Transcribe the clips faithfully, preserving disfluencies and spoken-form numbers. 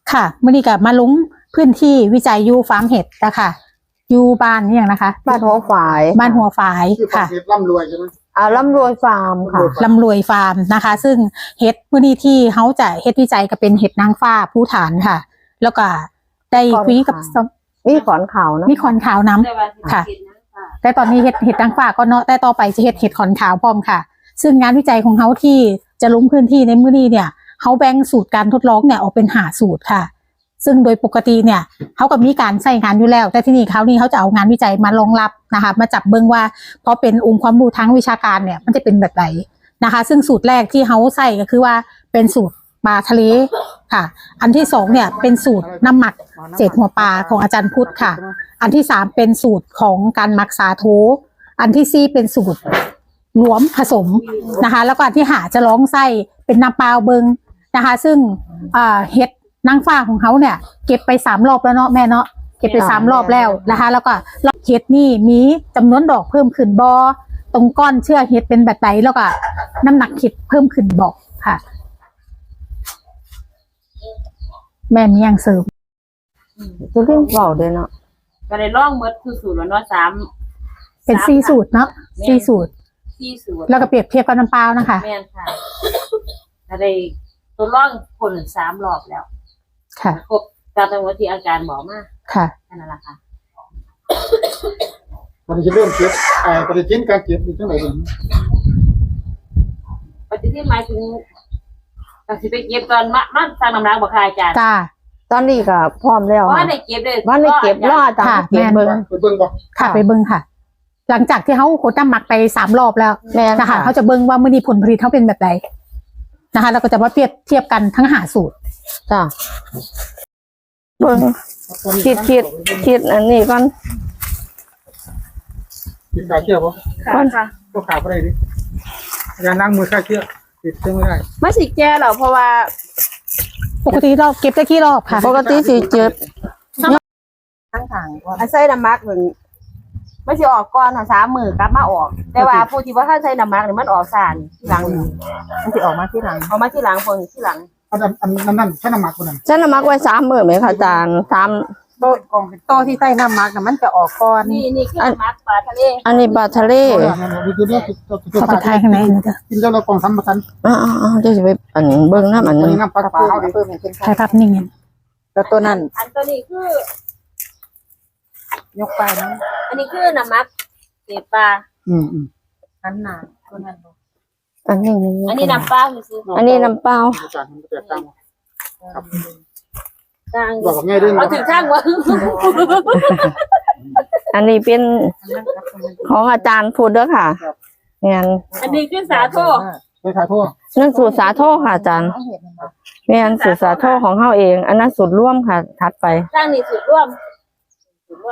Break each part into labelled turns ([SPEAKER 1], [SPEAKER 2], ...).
[SPEAKER 1] ค่ะมื่อนี้กับมาลงพื้นที่วิจัยยูฟาร์มเห็ดนะคะยูบ้านนี่อย่างนะคะ
[SPEAKER 2] บ้านหัวฝาย
[SPEAKER 1] บ้านหัวฝายค่ะ
[SPEAKER 3] ร่ำรวยใช่ไหม
[SPEAKER 2] อ่าร่ำรวยฟาร์มค่ะ
[SPEAKER 1] ลำรวยฟาร์มนะคะ ซึ่งเห็ดมื่อนี้ที่เขาจะเห็ดวิจัยก็เป็นเห็ดนางฟ้าผู้ฐานค่ะ แล้วก็ได้คุยกับ
[SPEAKER 2] มีขอนขาวนะ
[SPEAKER 1] มีขอนขาวน้ำค่ะแต่ตอนนี้เห็ดเห็ดนางฟ้าก็เนาะแต่ต่อไปจะเห็ดเห็ดขอนขาวพร้อมค่ะ ซึ่งงานวิจัยของเขาที่จะลงพื้นที่ในมื้อนี้เนี่ยเขาแบ่งสูตรการทดลองเนี่ยออกเป็นหาสูตรค่ะซึ่งโดยปกติเนี่ยเขาก็มีการใส่งานอยู่แล้วแต่ที่นี่เขานี่เขาจะเอางานวิจัยมารองรับนะคะมาจับเบิ้งว่าเพราะเป็นองค์ความรู้ทางวิชาการเนี่ยมันจะเป็นแบบไหนนะคะซึ่งสูตรแรกที่เขาใส่ก็คือว่าเป็นสูตรปลาทะเลค่ะอันที่สองเนี่ยเป็นสูตรน้ำหมักเศษหัวปลาของอาจารย์พุทธค่ะอันที่สามเป็นสูตรของการหมักสาโทอันที่สี่เป็นสูตรรวมผสมนะคะแล้วก็อันที่หาจะร้องไส้เป็นน้ำเปล่าเบิงนะคะซึ่งเห็ดนางฟ้าของเขาเนี่ยเก็บไปสามรอบแล้วเนาะแม่เนาะเก็บไปสามรอบแล้วนะคะแล้วก็เห็ดนี่มีจำนวนดอกเพิ่มขึ้นบอตรงก้อนเชื่อเห็ดเป็นแบบไหนแล้วก็น้ำหนักเห็ดเพิ่มขึ้นบอกค่ะแม่มีอย่างเสริม
[SPEAKER 2] จะเรื่องเบาเลยเนาะ
[SPEAKER 4] ก็ได้ล่องเมดคือสูตรแล้วเนาะสาม
[SPEAKER 1] เป็นสี่สูตรเนาะสี่สูตร
[SPEAKER 4] สี่สูตร
[SPEAKER 1] แล้วก็เปรียบเทียบกับน้ำเปล่านะคะ
[SPEAKER 4] แม่นค่ะก็ได้ตัวล่องผลสามรอบแล้ว
[SPEAKER 1] ค่ะ
[SPEAKER 4] ครบตามที่ที่อาจารย์บอกมา
[SPEAKER 1] ค่ะ
[SPEAKER 4] นั่นแหละค่ะ
[SPEAKER 3] มันจะเริ่มเก็บไอ้ปฏิทินการเก็บอยู่ที่ไหนบ้าง
[SPEAKER 4] ปฏิทินหมายถึงก็สิไปเก็บตอนมามาสร้างน้ำหนักบ่ค่ะอาจารย์
[SPEAKER 1] จ้า
[SPEAKER 2] ตอนนี้ก็พร้อมแล้ว
[SPEAKER 4] ว่าได้เก็บเลย
[SPEAKER 2] ว่าได้เก็บรอตามเก็บเบิ่ง
[SPEAKER 3] ไปเบิ่งบ่
[SPEAKER 1] ค่ะไปเบิ่งค่ะหลังจากที่เขาโคตรน้ำหมักไปสามรอบแล้วนะคะเขาจะเบิ่งว่ามื้อนี้ผลผลิตเขาเป็นแบบไหนนะคะแล้วก็จะมาเปรียบเทียบกันทั้งหาสูตร
[SPEAKER 2] จ้าเบิ่งคิดคิดคิดอันนี้ก่อน
[SPEAKER 3] คิดขาเชือกบ่
[SPEAKER 4] ค่ะค่ะ
[SPEAKER 3] ก็ขาบ่ได้ดิการล้างมือขาเชือกติดเชือกไม่ได้
[SPEAKER 4] ไม่สิแก้หรอกเพราะว่า
[SPEAKER 1] ปกติรอบเก็บได้กี่รอบค่ะ
[SPEAKER 2] ปกติสิเจ็บ
[SPEAKER 4] ทั้งทางอันใส่น้ำมักเหมือนไม่สิออกก่อนสามมือกลับมาออกแต่ว่าผู้ที่ว่าถ้าใส่น้ำมักเนี่ยมันออกสารที่หลัง
[SPEAKER 2] มันสิออกมาที่หลัง
[SPEAKER 4] ออกมาที่หลังคนที่หลัง
[SPEAKER 3] อันอันนั้นนั่นใช้น้ำหมักคนนั้น
[SPEAKER 2] ใช้น้ำมักไว้สามมื้อไหมคะอาจารย์สาม
[SPEAKER 3] โตกองโตที่ใส่น้ำหมักน่ะมันจะออกก่อน
[SPEAKER 4] นี่นี่คือน้ำมักปลาทะเล
[SPEAKER 2] อันนี้ปลาทะเล
[SPEAKER 1] เข้าไปทายข้างในนะจ๊ะ
[SPEAKER 3] กินแล้วเรากองทำประกัน
[SPEAKER 2] อ๋อๆจะไปอันเบิ่งน้ำอันนึง
[SPEAKER 3] น้ำปลาปลาเอาดิ
[SPEAKER 1] ใช่ครับนี่ไง
[SPEAKER 2] แล้วตัวนั้น
[SPEAKER 4] อันตัวนี้คื
[SPEAKER 3] อยกไปนะ
[SPEAKER 4] อันนี้คือน้ำมักเศษปลา
[SPEAKER 3] อืมอืม
[SPEAKER 4] อันหนาตัวนั้น
[SPEAKER 2] อันนี้
[SPEAKER 4] อันนี้น้ำเปล่าคือ
[SPEAKER 2] อันนี้น้ำเปล่า
[SPEAKER 3] ครับ
[SPEAKER 4] ต่าง
[SPEAKER 3] บอกง่ายด้วย
[SPEAKER 4] เอาถึงข้างวะ
[SPEAKER 2] อันนี้เป็นของอาจารย์พูดด้วยค่ะงั้น
[SPEAKER 4] อันนี้คือสาโท
[SPEAKER 3] ไม่สาโท
[SPEAKER 2] นั่นสูตรสาโทค่ะอาจารย์งั้นสูตรสาโทของเฮาเองอันนั้นสูตรร่วมค่ะถัดไป
[SPEAKER 4] สร้างนี่สูตรร่วมสูตรร่วม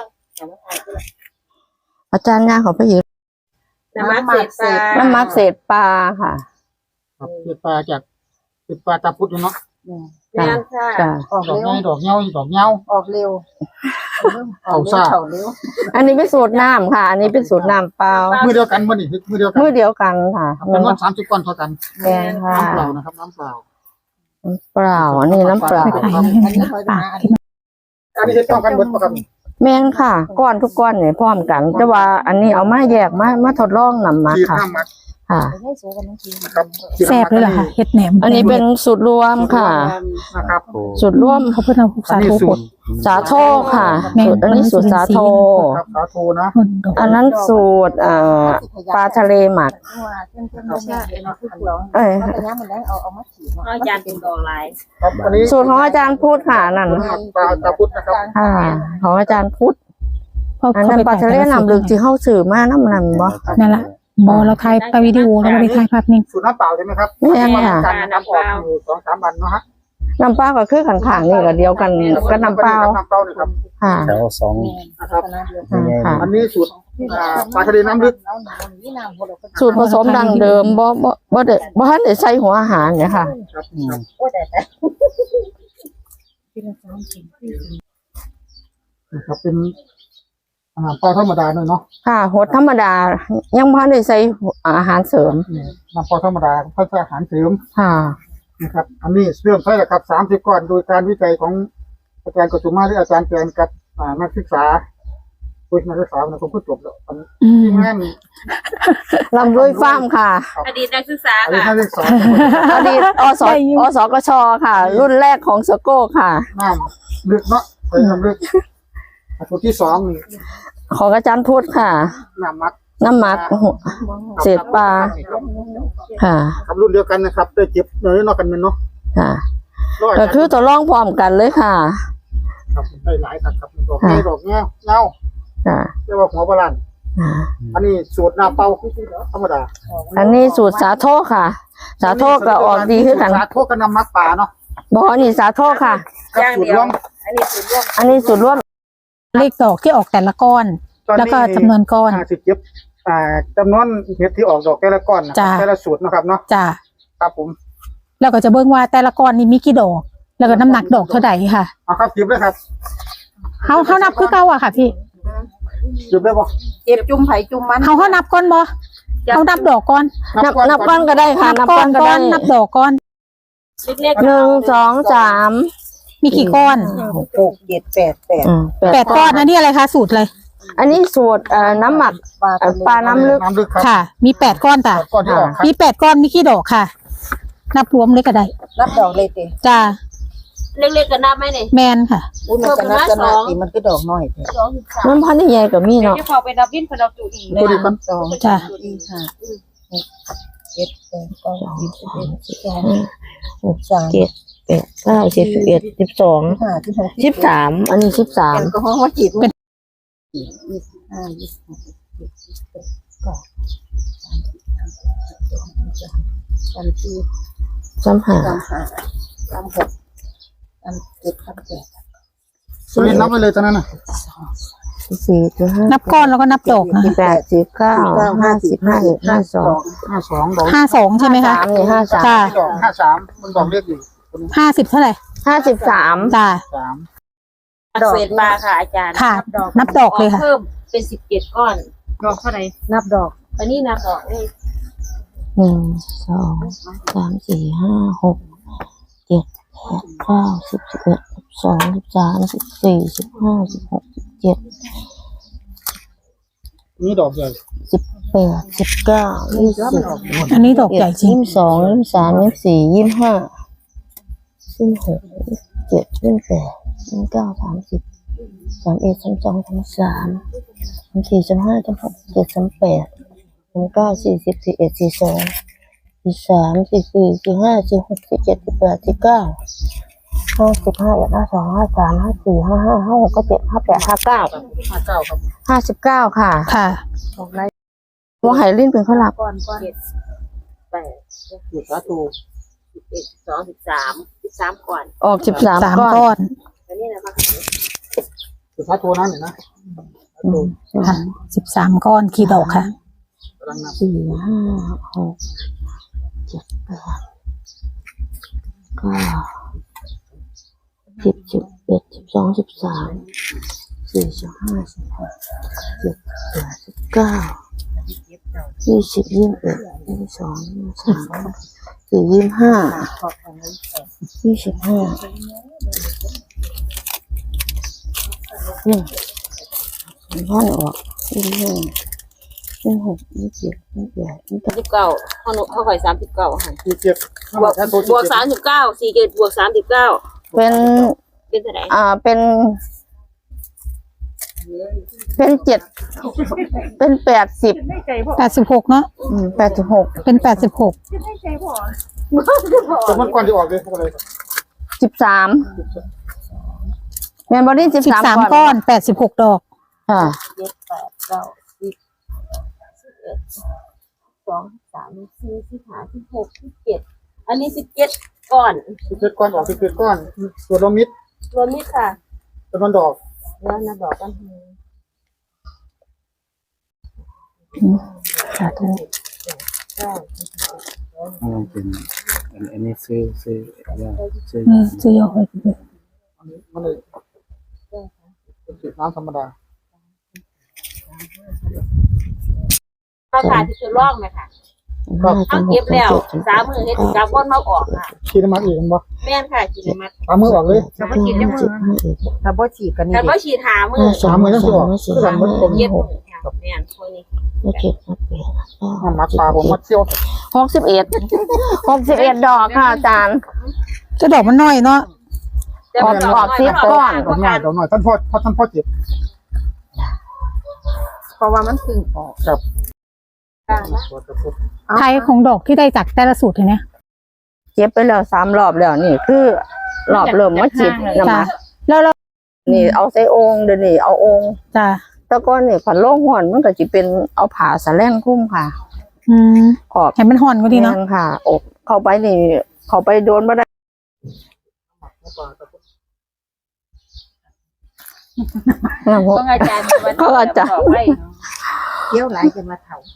[SPEAKER 2] อาจารย์ย่าเขาไปยืน
[SPEAKER 4] น้ำมักเศษปลา
[SPEAKER 2] น้ำมักเศษปลาค่ะ
[SPEAKER 3] ครับเศษปลาจากเศษปลาตาพุทธเนาะ
[SPEAKER 4] แม่ค่ะ
[SPEAKER 3] ออกเร็วดอกเงาดอกเงา
[SPEAKER 4] ออกเร็ว
[SPEAKER 3] เอาซ่า
[SPEAKER 2] อันนี้เป็นสูตรน้ำค่ะอันนี้เป็นสูตรน้ำเปล่า
[SPEAKER 3] มือเดียวกันวันนี้มือเดียวกัน
[SPEAKER 2] มือเดียวกันค่ะ
[SPEAKER 3] จำนวนสามสิบก้อนเท่ากัน
[SPEAKER 2] แม่ค่ะ
[SPEAKER 3] น้ำเปล่านะครับน้ำเปล่า
[SPEAKER 2] น้ำเปล่าอันนี้น้ำเปล่า
[SPEAKER 3] อันนี้จะต้องกันหมดครับ
[SPEAKER 2] แม่นค่ะก้อนทุกก้อนเนี่ยพร้อมกันแต่ว่าอันนี้เอามาแยกมามาทดลองนำมาค่ะค่ะ
[SPEAKER 1] แซ่บเลยเหรอคะเห็ดแหนม
[SPEAKER 2] อันนี้เป็นสูตรรวมค่ะสูตรรวม
[SPEAKER 1] เขาเพิ่งเอาสาโท
[SPEAKER 2] สาโทค่ะสูตรอันนี้สูตรสาโท
[SPEAKER 3] สาโทนะ
[SPEAKER 2] อันนั้นสูตรเอ่อปลาทะเลหมักเอ้ย
[SPEAKER 4] อาจารย์เป็นดอกลาย
[SPEAKER 2] สูตรของอาจารย์พูดค่ะนั่น
[SPEAKER 3] ปลาตาพุทธนะครับ
[SPEAKER 2] ค่ะของอาจารย์พูดอันนั้นปลาทะเลน้ำลึกที่เข้าสื่อมาน้ำนั่นบ่
[SPEAKER 1] นั่นแหละบอเราถ่ายไปวิดีโอเราไม่ได้ถ่ายภาพนิ่ง
[SPEAKER 3] สูตรน้ำเปล่าใช่ไหมครับ
[SPEAKER 2] ไม่ใช่ค่ะ
[SPEAKER 3] น้ำเปล่าสองสามวันเนาะฮะ
[SPEAKER 2] น้ำเปล่าก็คือขันขางนี่ก็เดียวกันก็น้ำเปล่า
[SPEAKER 3] น้ำเปล่านี่ครับ
[SPEAKER 2] ค่ะ
[SPEAKER 5] แถวสอง
[SPEAKER 3] นะครับอันนี้สูตรปลาทะเลน้ำลึก
[SPEAKER 2] สูตรผสมดังเดิมบ่บ่บ่ได้บ่ทันได้ใส่หัวอาหารเนี่ยค่ะ
[SPEAKER 3] ครับเป็นอาหารปลาธรรมดาหน่อยเนาะ
[SPEAKER 2] ค่ะหดธรรมดายังพันได้ใส่อาหารเสริม
[SPEAKER 3] น้ำปลาธรรมดาเพื่ออาหารเสริม
[SPEAKER 2] ค่ะ
[SPEAKER 3] นะครับ อันนี้เรื่องใช่แหละครับสามสิบก้อนโดยการวิจัยของอาจารย์กสุมาหรืออาจารย์แจนกับอ่านักศึกษาคุยนักศึกษานะผมก็จบแล้วอัน
[SPEAKER 1] อืม
[SPEAKER 3] ที่งาน
[SPEAKER 2] ลำรวยฟาร์มค่ะ
[SPEAKER 4] อดีตนักศึกษา
[SPEAKER 3] อันนี้
[SPEAKER 4] ค่ะ
[SPEAKER 3] นักศึกษา
[SPEAKER 2] อดีตอสอสกชค่ะ รุ่นแรกของสโก้ค่ะ
[SPEAKER 3] น้ำลึกเนาะไปน้ำลึกอันที่สองนี่
[SPEAKER 2] ของอาจารย์พุทธค่ะ
[SPEAKER 3] น้ำมัก
[SPEAKER 2] น้ำหมักเศษปลาค่ะ
[SPEAKER 3] ครับรุ่นเดียวกันนะครับได้เจ็บเนื้อนอกกันเป็นเนาะ
[SPEAKER 2] ค่ะ
[SPEAKER 3] ร้อย
[SPEAKER 2] ก็คือตัวร่องพร้อมกันเลยค่ะ
[SPEAKER 3] ครับได้หลายครับครับดอกไม้ดอกเงี้ยเงา
[SPEAKER 2] ค่ะ
[SPEAKER 3] เรียกว่าหัวโบราณ
[SPEAKER 2] อ่า
[SPEAKER 3] อันนี้สูตรหน้าเป่าธรรมดา
[SPEAKER 2] อันนี้สูตรสาโทค่ะ สาโทก็ออกดีขึ้นกัน
[SPEAKER 3] สาโทกับน้ำมักป่าเนาะ
[SPEAKER 2] บอนี่สาโทค่ะ
[SPEAKER 3] ครับสูตรรวม
[SPEAKER 4] อันนี้สูตรร่วม
[SPEAKER 2] อันนี้สูตรร่วม
[SPEAKER 1] เลขดอกที่ออกแต่ละก้อน แล้วก็จำนวนก้อน
[SPEAKER 3] ห้าสิบเจ็ดอ่าจำนวนเห็ดที่ออกดอกแต่ละก้อนนะ
[SPEAKER 1] จ้ะ
[SPEAKER 3] แต่ละสูตรนะครับเนาะ
[SPEAKER 1] จ้ะ
[SPEAKER 3] ครับผม
[SPEAKER 1] แล้วก็จะเบิ่งว่าแต่ละก้อนนี่มีกี่ดอก แล้วก็น้ำหนักดอกเท่าใดค่ะ
[SPEAKER 3] เอาครับหยิบเลยครับ
[SPEAKER 1] เฮาเฮานับคือเก่าอะค่ะพี่
[SPEAKER 3] หยิบได้ปะ
[SPEAKER 4] เจ็บจุ่มไผ่จุ่มมัน
[SPEAKER 1] เฮาเฮานับก้อนบ่เฮานับดอกก้อน
[SPEAKER 2] นับนับก้อนก็ได้ค่ะ นับก้อนก็
[SPEAKER 1] ก้อ
[SPEAKER 2] ได้
[SPEAKER 1] นนับดอกก้อน
[SPEAKER 4] เล็กๆ
[SPEAKER 2] หนึ่งสองสาม
[SPEAKER 1] มีกี่ก้อน
[SPEAKER 4] หกเจ็ดแปดแปด
[SPEAKER 2] อืม
[SPEAKER 1] แปดก้อนอันนี้อะไรคะสูตรเลย
[SPEAKER 2] อันนี้สูตรเอ่อน้ำหมักเอ่อปลาน้ำลึก
[SPEAKER 3] น้ำลึกครับ
[SPEAKER 1] ค่ะ มีแปดก้อนจ้ะ
[SPEAKER 3] ก้อนที่ออกครับ
[SPEAKER 1] มีแปดก้อนมีกี่ดอกค่ะ นับรวมเลยก็ได้
[SPEAKER 4] รับดอกเลยติ
[SPEAKER 1] จ้า
[SPEAKER 4] เล็กๆก็นับไหมเนี่ย
[SPEAKER 1] แมนค่ะ
[SPEAKER 4] อุ้ยมันจะนับจะนับสิมันก็ดอกน้อยสองสิบสาม
[SPEAKER 2] มันพันธุ์ใหญ่กับมี
[SPEAKER 4] เดี๋ยว
[SPEAKER 2] เนาะ
[SPEAKER 4] จะพอไปนับวินพอนับจุอีกเลย
[SPEAKER 3] ตัวนี้กัน
[SPEAKER 4] สอง
[SPEAKER 1] จ้ะ
[SPEAKER 4] อีกค่ะเจ็ดแปดเก้าสิบสิบเอ็ดสิบสอง
[SPEAKER 2] หกสามเจ็ดแปดเก้าสิบสิบเอ็ดสิบสอง
[SPEAKER 4] ห้าสิบหก
[SPEAKER 2] สิบสามอันนี้สิบสาม
[SPEAKER 4] แอลกอฮอล์ว่าจีบ
[SPEAKER 1] เป็น
[SPEAKER 4] ยี่สิบห้ายี่สิบหกยี่สิบเจ็ดยี่สิบแปดก็สามสี่
[SPEAKER 2] สามห้า
[SPEAKER 4] สามห้าสามหกสามเจ็ดสามแปด
[SPEAKER 3] ตัวนี้นับไปเลยตอนนั้นน่ะ
[SPEAKER 2] สี่สิบห้า
[SPEAKER 1] นับก้อนแล้วก็นับดอกนะ
[SPEAKER 2] สิบแปดสิบเก้าห้าสิบห้าเอ็ดห้าสอง
[SPEAKER 3] ห้าสองดอก
[SPEAKER 1] ห้าสองใช่ไหมคะ
[SPEAKER 2] สามนี่ห้าสาม
[SPEAKER 1] จ้า
[SPEAKER 3] ดอกห้าสามมันดอกเล็กอยู่ตัวนี้
[SPEAKER 1] ห้าสิบเท่าไหร่
[SPEAKER 2] ห้าสิบสาม
[SPEAKER 1] จ้า
[SPEAKER 3] สาม
[SPEAKER 4] เศษมาค่ะอาจารย์
[SPEAKER 1] ค่ะ นับดอกเลยค่ะ
[SPEAKER 4] เพิ่มเป็นสิบเจ็ดก้อน ดอกเท่าไหร่นับดอก อันนี้นับดอกเลย
[SPEAKER 2] หนึ่งสองสามสี่ห้าหกเจ็ดแปดเก้าสิบสิบเอ็ดสิบสองสิบสามสิบสี่สิบห้าสิบหกสิบเจ็ด
[SPEAKER 3] นี่ดอกใหญ่
[SPEAKER 2] สิบแปดสิบเก้ายี่สิบ
[SPEAKER 1] อันนี้ดอกใหญ่จริง
[SPEAKER 2] ยี่สิบสองยี่สิบสามยี่สิบสี่ยี่สิบห้ายี่สิบหกยี่สิบเจ็ดยี่สิบแปดยี่สิบเก้าสามสิบสามเอ็ดสามสองสามสามสามสี่สามห้าสามหกเจ็ดสามแปดสามเก้าสี่สิบสี่เอ็ดสี่สองสี่สามสี่สี่สี่ห้าสี่หกสี่เจ็ดสี่แปดสี่เก้าห้าสิบห้าเอ็ดห้าสองห้าสามห้าสี่ห้าห้าห้าหกก็เจ็ดห้าแปดห้าเก้า
[SPEAKER 3] ห้าเก้าครับ
[SPEAKER 2] ห้าสิบเก้าค่ะ
[SPEAKER 1] ค่ะ
[SPEAKER 2] หัวไหลิ้นเป็นข้าวหลัก
[SPEAKER 4] ก้อนก้อนเจ็ดแปด
[SPEAKER 3] สูตรสาตู
[SPEAKER 4] สิบเอ็ดสิบสองสิบสามสิบสามก่อน
[SPEAKER 2] ออกสิบสาม
[SPEAKER 1] สาม
[SPEAKER 2] ก้อน
[SPEAKER 1] ก้อน
[SPEAKER 4] อันนี้นะคะ
[SPEAKER 3] สูตรสาตูนั้นเนี่ยนะสาตู
[SPEAKER 1] ค่ะสิบสามก้อนกี่ดอกค่ะ
[SPEAKER 3] กำลังนับ
[SPEAKER 2] สี่ห้าหกเจ็ดแปดเก้าสิบสิบเอ็ดสิบสองสิบสามสี่สิบห้าสิบหกเจ็ดแปดสิบเก้ายี่สิบยี่สิบเอ็ดยี่สิบสองยี่สิบสามสี่ยี่สิบห้ายี่สิบห้าเนี่ยพ่อออกยี่สิบห้ายี่สิบหกยี่สิบเจ็ดยี่สิบแปดยี่สิบเก้า
[SPEAKER 4] สิบเก้าข้อนุข้อข่อยสามสิบเก้าค่ะ
[SPEAKER 3] สี่เจ็ด
[SPEAKER 4] บวกบวกสามสิบเก้าสี่เจ็ดบวกสามสิบเก้า
[SPEAKER 2] เป็น
[SPEAKER 4] เป็นเท่าไหร่
[SPEAKER 2] อ่าเป็น เป็นเจ็ดเป็นแปดสิบ
[SPEAKER 1] แปดสิบหกเนาะ
[SPEAKER 2] แปดสิบหก
[SPEAKER 1] เป็นแปดสิบหก
[SPEAKER 3] ตัวมันก่อนที่ออกเลยเท่าไหร่ครับ
[SPEAKER 2] สิบสามแมนบอดี้สิบ
[SPEAKER 1] สิบ
[SPEAKER 2] สาม
[SPEAKER 1] สามก้อนแปดสิบหกดอก
[SPEAKER 2] ค่ะ
[SPEAKER 4] เจ็ดแปดเก้าสิบสิบเอ็ดสองสามสี่สิบห้าสิบหกสิบเจ็ดอันนี้สิบเจ็ดก้อน
[SPEAKER 3] สิบเจ็ดก้อนออกสิบเจ็ดก้อนส่วนลมิด
[SPEAKER 4] รวมนี่ค่ะ
[SPEAKER 3] จำนวนดอก
[SPEAKER 4] แล้วนับดอกกัน
[SPEAKER 1] สาธุ
[SPEAKER 5] อ๋อเป็นอันอันนี้ซื้อซื้อว่าซื้อ
[SPEAKER 1] นี่ซื้อยกไปเลย
[SPEAKER 3] อันนี้มันเลยเป็นสูตรน้ำธรรมดา
[SPEAKER 4] ข้าวขาที่ชุดร่องไหมคะ
[SPEAKER 3] ครับ
[SPEAKER 4] เอาเก็บแล้วสามมือเฮ็ดกับก้นมาออกค่ะ
[SPEAKER 3] ฉีดน้ำมันอีกมันบ่
[SPEAKER 4] แม่นค่ะกินมัด
[SPEAKER 3] เอามือออกเลย
[SPEAKER 2] ถ้าบ่ฉีดจังมือถ้าบ่ฉีดก็นี่
[SPEAKER 4] แต่ว่าฉีดหามือ
[SPEAKER 3] สามมือต้องสิออกคือกันมันผม
[SPEAKER 4] เย็บมือค่ะแม่นคนนี้
[SPEAKER 2] ไม่เจ็ดไม่แปด
[SPEAKER 3] น้ำมักปลาผมมัดเที่ยว
[SPEAKER 2] หกสิบเอ็ดหกสิบเอ็ดดอกค่ะอาจารย์
[SPEAKER 1] จะดอกมันน้อยเนาะ
[SPEAKER 2] ออกออกสิบก้อน
[SPEAKER 3] ดอกหน่อยดอกหน่อยท่านพ่อพ่อท่านพ่อเจ็บ
[SPEAKER 2] เพราะว่ามันพึ่งออก
[SPEAKER 3] ครับ
[SPEAKER 1] ไทยของดอกที่ได้จากแต่ละสูตรเนี่ย
[SPEAKER 2] เจ็บไปแล้วสามรอบแล้วนี่คือรอบเริ่มมาฉีดน้ำ
[SPEAKER 1] จ้ะ
[SPEAKER 2] มัน
[SPEAKER 1] แล้วเรา
[SPEAKER 2] นี่เอาใส่โองเดี๋ยวนี้เอาโอง
[SPEAKER 1] จะ
[SPEAKER 2] แต่ก่อนนี่ผันโล่งห่อนมันก็จะเป็นเอาผ่าสะแล่งคุ้มค่ะ
[SPEAKER 1] อืม
[SPEAKER 2] ขอบ
[SPEAKER 1] เห็นมันห่อนก็ดีเนาะ
[SPEAKER 2] แม่ค่ะอกเข้าไปนี่ เข้าไปโดนบ่ได้
[SPEAKER 4] ต้องอาจารย์
[SPEAKER 2] เขาอาจารย์
[SPEAKER 4] เที่ยวหลายจะมาเฒ่า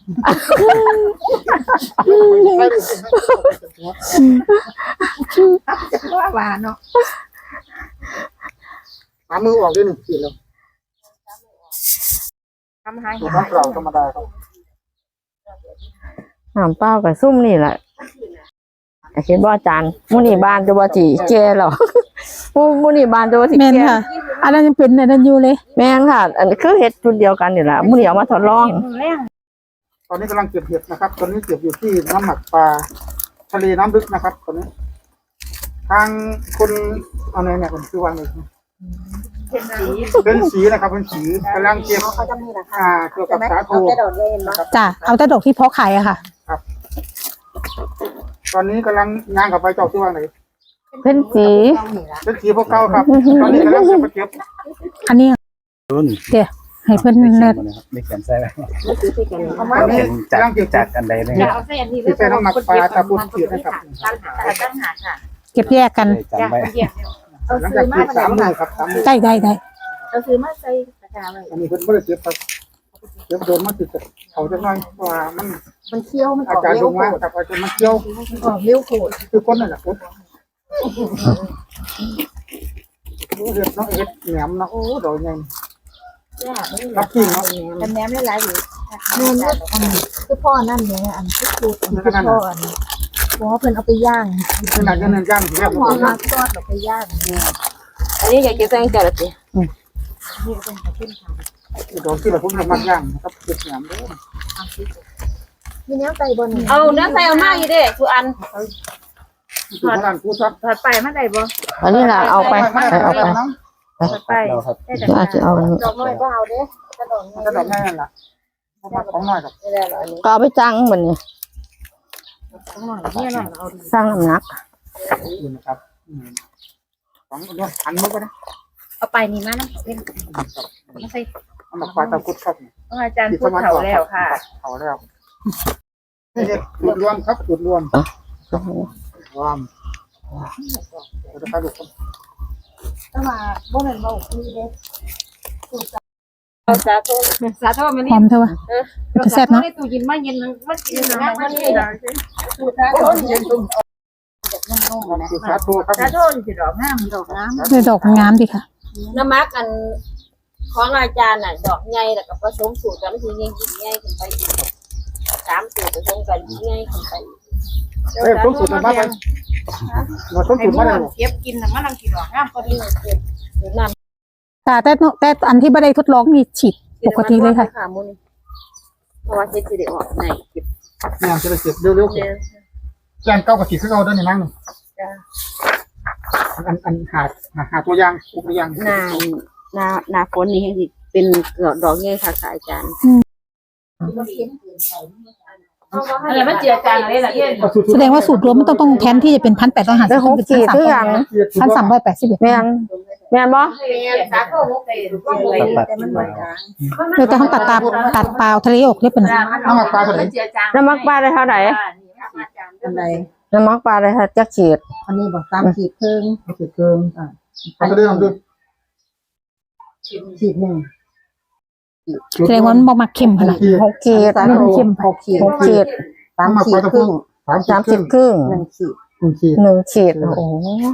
[SPEAKER 4] ว่าว่าเนาะ
[SPEAKER 3] หามือออกด้วยหนึ่งขีดแล้ว
[SPEAKER 4] ทำให้
[SPEAKER 3] ตัวน้ำเปล่าธรรมดาครับ
[SPEAKER 2] น้ำเปล่ากับซุ่มนี่แหละแต่คิดว่าอาจารย์มุนี่บานจะว่าจีเจหรอ มุมุนี่บานจะว่าจี
[SPEAKER 1] แม่น
[SPEAKER 2] เจ
[SPEAKER 1] ค่ะ อันนั้นยังเป็นอันนั้นอยู่เลย
[SPEAKER 2] แม่นค่ะ อันนี้คือเห็ดจุดเดียวกันนี่แหละมุนี่เอามาทดลอง
[SPEAKER 3] ตอนนี้กำลังเก็บเห็ดนะครับ ตอนนี้เก็บอยู่ที่น้ำหมักปลาทะเลน้ำลึกนะครับ ตอนนี้ ทางคุณอะไรเนี่ยผมชื่อว่าอะไรเป็นสีนะครับเป็นสีกำลังเก็บ
[SPEAKER 4] เขาจะมีราคา
[SPEAKER 3] อ่าเกี่ยวกับสาคู
[SPEAKER 4] เอาแต่ดอกเย็นเนาะ
[SPEAKER 1] จ้ะเอาแต่ดอกที่เพาะขายอะค่ะ
[SPEAKER 3] ตอนนี้กำลังงานกับไปเจ้าชื่อว่าไหน
[SPEAKER 2] เป็นสี
[SPEAKER 3] เป็นสีพวกเก้าครับ ตอนนี้กำลังจะมาเก็บ
[SPEAKER 1] อันนี้
[SPEAKER 5] รุ่น
[SPEAKER 1] เดี๋ยวให้เพื่อน
[SPEAKER 5] ไม่เขีย
[SPEAKER 1] เน็
[SPEAKER 5] น
[SPEAKER 1] ต
[SPEAKER 5] มานะครับไม่เขียนใส่ไว้
[SPEAKER 4] เอามา
[SPEAKER 3] ตอนนี้
[SPEAKER 5] เขียนจาก
[SPEAKER 3] กำลังเก็บ
[SPEAKER 5] จากอันใดเลย
[SPEAKER 4] อย่าเอาเส้นนี้
[SPEAKER 3] ที่เป็นน้ำหมักปลาตะปูเขียดนะครับ
[SPEAKER 4] ตั้งหาตั้งหาค่ะ
[SPEAKER 1] เก็บแยกกัน
[SPEAKER 5] จำไว้
[SPEAKER 4] เอา
[SPEAKER 3] หลัง
[SPEAKER 4] ซื้
[SPEAKER 3] จา
[SPEAKER 4] อก มา
[SPEAKER 3] เก็บสามมือครับสามมือ
[SPEAKER 1] ได้ได้ได้
[SPEAKER 4] เอาซื้อมาใส่กระจาไว้
[SPEAKER 3] อันนี้เพิ่นไม่ได้เก็บครับเก็บโดนมาติดกับเขาจะน้อยเพราะว่ามัน
[SPEAKER 4] มันเคี้ยวมันอ
[SPEAKER 3] อา
[SPEAKER 4] อก
[SPEAKER 3] จารย์
[SPEAKER 4] เร็
[SPEAKER 3] ล
[SPEAKER 4] ว
[SPEAKER 3] ง
[SPEAKER 4] โค
[SPEAKER 3] มา
[SPEAKER 4] ตร
[SPEAKER 3] ครับอาจารย์มาเกี่ยว
[SPEAKER 4] ออกเร็วโคตร
[SPEAKER 3] คือคนนั่นแหละครับเห็ดเนาะเห็ดแหนมเนาะโอ้ดอกใหญ่รับจริงเนาะ
[SPEAKER 4] แต่แหนมหลายๆอยู่แม่นอันคือพ่อนั่นเนี่ยอันคือสูตรอันคือพ่ออันเพราะว่าเพิ่นเอาไปย่าง
[SPEAKER 3] ขนาดจะเนินย่างถึงแล้ว
[SPEAKER 4] หอมมากทอดเอาไปย่างอันนี้อยากจะแซงจระเข้
[SPEAKER 3] ดอกที่เราพุ่งจะมักย่างนะครับเห็ดแหนมเด้อ
[SPEAKER 4] มีเนื้อไก่บนเอาเนื้อไก่เอามาอยู่เด้ทุกอัน
[SPEAKER 3] อยู่ข้างล่างกูซับ
[SPEAKER 4] ถอดไปมาได้บ่
[SPEAKER 2] อันนี้ล่ะเอาไปไปเอาไป
[SPEAKER 4] ถอดไป
[SPEAKER 5] เราครับ
[SPEAKER 2] อาจจะเอาอันนี้
[SPEAKER 4] ดอกน้อยก็เอาเด้กระดอกน้อย
[SPEAKER 3] ก็ดอกแม่นั่นแหละมาของน้อยครับ
[SPEAKER 4] ไม่ได้หรออันนี้
[SPEAKER 2] ก็เอาไปจังเหมือนนี่
[SPEAKER 4] ต้องหน่อยเนี่ยหน่อยเอาดี
[SPEAKER 2] สร้างน้ำหนัก
[SPEAKER 3] อยู่นะครับของน้อยอันนี้ก็ได้
[SPEAKER 4] เอาไปนี่มานะเป็นไม่ใช่
[SPEAKER 3] อันดับปลาตะกุดครับ
[SPEAKER 4] ต้องอาจารย์พูดเขาแล้วค่ะ
[SPEAKER 3] เขาแล้วนี่จุดรวมครับจุดรวมรวมจะไปดูคน
[SPEAKER 4] แต่ว่าบ่แม่นบ่มีเด้สาธุสาธุมัน
[SPEAKER 1] ห
[SPEAKER 4] นี่
[SPEAKER 1] อมเท่าไหร่จะแซ่บเนาะ
[SPEAKER 4] ตู้เย็นมาเย็นมันกินนะมันนี่สูตรสาธุเย็นตุ้ม
[SPEAKER 3] คือสาธุครับ
[SPEAKER 4] สาธุสิดอกงามดอกงาม
[SPEAKER 1] เลยดอกงามดีค่ะ
[SPEAKER 4] น้ำมักอันของอาจารย์น่ะดอกใหญ่แล้วก็ผสมสูตรกันมันสิยิ่งใหญ่ขึ้นไปอีกสามสูตรผสมกันใหญ่ขึ้นไป
[SPEAKER 3] เอ้ยต้องสูตรมาไปเราต้อง
[SPEAKER 4] ให้
[SPEAKER 3] สูตร
[SPEAKER 4] มั
[SPEAKER 3] มาได้
[SPEAKER 4] นเก็บกินน่ะมันลังสิดอกงามพอดีน้ำ
[SPEAKER 1] แต่แต่แต่อันที่ไม่ได้ทดลองนี่ฉีดปกติเลยค่ะ
[SPEAKER 4] มุนเพราะว่าเฮ็ดสิได้ออกในเก็บ
[SPEAKER 3] เนี่ยจะได้เก็บเร็วๆแกนเก้ากับสีขึ้นเอาด้วยนี่นั่งอันอันหาหาตัวยางตัวยาง
[SPEAKER 4] หน้าหน้าหน้าฝนนี่สิเป็นดอกใหญ่ค่ะอาจารย์ อะไรมันเจือจางอะไรล่ะเย็น
[SPEAKER 1] แสดงว่าสูตรรวมมันต้องต้องแทนที่จะเป็นพันแปดร้อยห้าสิ
[SPEAKER 2] ได้
[SPEAKER 1] บ
[SPEAKER 2] หกขีดคือกัน
[SPEAKER 1] พันสามร้อยแปดสิบเอ็ด
[SPEAKER 2] แม่นแม่นบ่
[SPEAKER 4] สาโคหกเตถูกต้องเลยแต่มันเหมือนกัน
[SPEAKER 1] เราจะต้องตัดตาตัดเปล่าทะเลอกเรียบเป็น
[SPEAKER 3] น้ำมันปลาตัวไหน
[SPEAKER 4] เจือจาง
[SPEAKER 2] น้ำมักปลาได้เท่าไหร่
[SPEAKER 4] อันใด
[SPEAKER 2] น้ำมักปลาได้เท่าจักขีด
[SPEAKER 4] อันนี้บอกตามขีดครึ่ง
[SPEAKER 3] ขีดเกินอ่าเขาจะได้ทำด้วย
[SPEAKER 4] ขีดหนึ่ง
[SPEAKER 1] แสดงว่ามันบ่มักเข้มขนาด
[SPEAKER 2] หกขีด
[SPEAKER 1] ไม่เข้ม
[SPEAKER 4] หกขีด
[SPEAKER 2] หกขีด
[SPEAKER 3] สามขีดครึ่งสาม
[SPEAKER 2] สาม
[SPEAKER 3] ขี
[SPEAKER 2] สิ
[SPEAKER 3] ด
[SPEAKER 2] บครึ่ง
[SPEAKER 4] หนึ่งขีด
[SPEAKER 3] หนึ่งขีด
[SPEAKER 2] หนึ่งขีดโอ้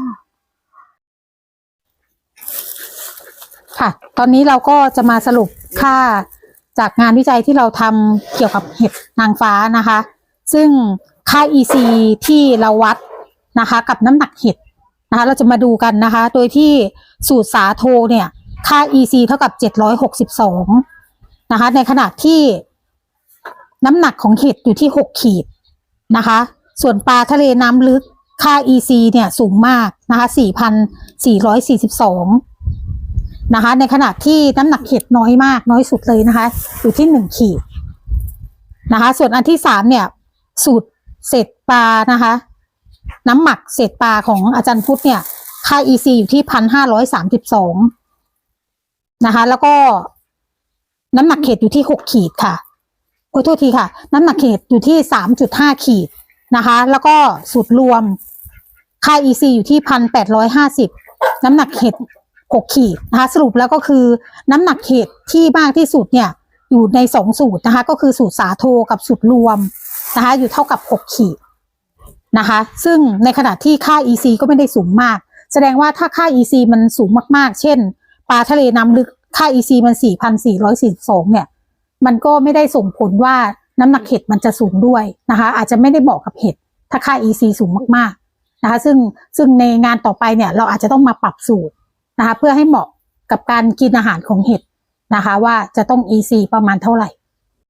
[SPEAKER 1] ค่ะ ตอนนี้เราก็จะมาสรุปค่าจากงานวิจัยที่เราทำเกี่ยวกับเห็ดนางฟ้านะคะซึ่งค่า อี ซี ที่เราวัดนะคะกับน้ำหนักเห็ดนะคะเราจะมาดูกันนะคะโดยที่สูตรสาโทเนี่ยค่า อี ซี เท่ากับเจ็ดร้อยหกสิบสองนะคะในขณะที่น้ำหนักของเห็ดอยู่ที่หกขีดนะคะส่วนปลาทะเลน้ำลึกค่า อี ซี เนี่ยสูงมากนะคะ สี่พันสี่ร้อยสี่สิบสอง นะคะในขณะที่น้ำหนักเห็ดน้อยมากน้อยสุดเลยนะคะอยู่ที่หนึ่งขีดนะคะส่วนอันที่สามเนี่ยสูตรเศษปลานะคะน้ำหมักเศษปลาของอาจารย์พุทธเนี่ยค่า อี ซี อยู่ที่ หนึ่งพันห้าร้อยสามสิบสอง นะคะแล้วก็น้ำหนักเห็ดอยู่ที่หกขีดค่ะโอ้โทษทีค่ะน้ำหนักเห็ดอยู่ที่ สามจุดห้า ขีดนะคะแล้วก็สูตรรวมค่า อี ซี อยู่ที่ หนึ่งพันแปดร้อยห้าสิบ น้ำหนักเห็ดหกขีดนะคะสรุปแล้วก็คือน้ำหนักเห็ดที่มากที่สุดเนี่ยอยู่ในสองสูตรนะคะก็คือสูตรสาโทกับสูตรรวมนะคะอยู่เท่ากับหกขีดนะคะซึ่งในขณะที่ค่า อี ซี ก็ไม่ได้สูงมากแสดงว่าถ้าค่า อี ซี มันสูงมากๆเช่นปลาทะเลน้ำลึกค่า อี ซี มัน สี่พันสี่ร้อยสี่สิบสอง เนี่ยมันก็ไม่ได้ส่งผลว่าน้ำหนักเห็ดมันจะสูงด้วยนะคะอาจจะไม่ได้บอกกับเห็ดถ้าค่า อี ซี สูงมากๆนะคะซึ่งซึ่งในงานต่อไปเนี่ยเราอาจจะต้องมาปรับสูตรนะคะเพื่อให้เหมาะกับการกินอาหารของเห็ดนะคะว่าจะต้อง อี ซี ประมาณเท่าไหร่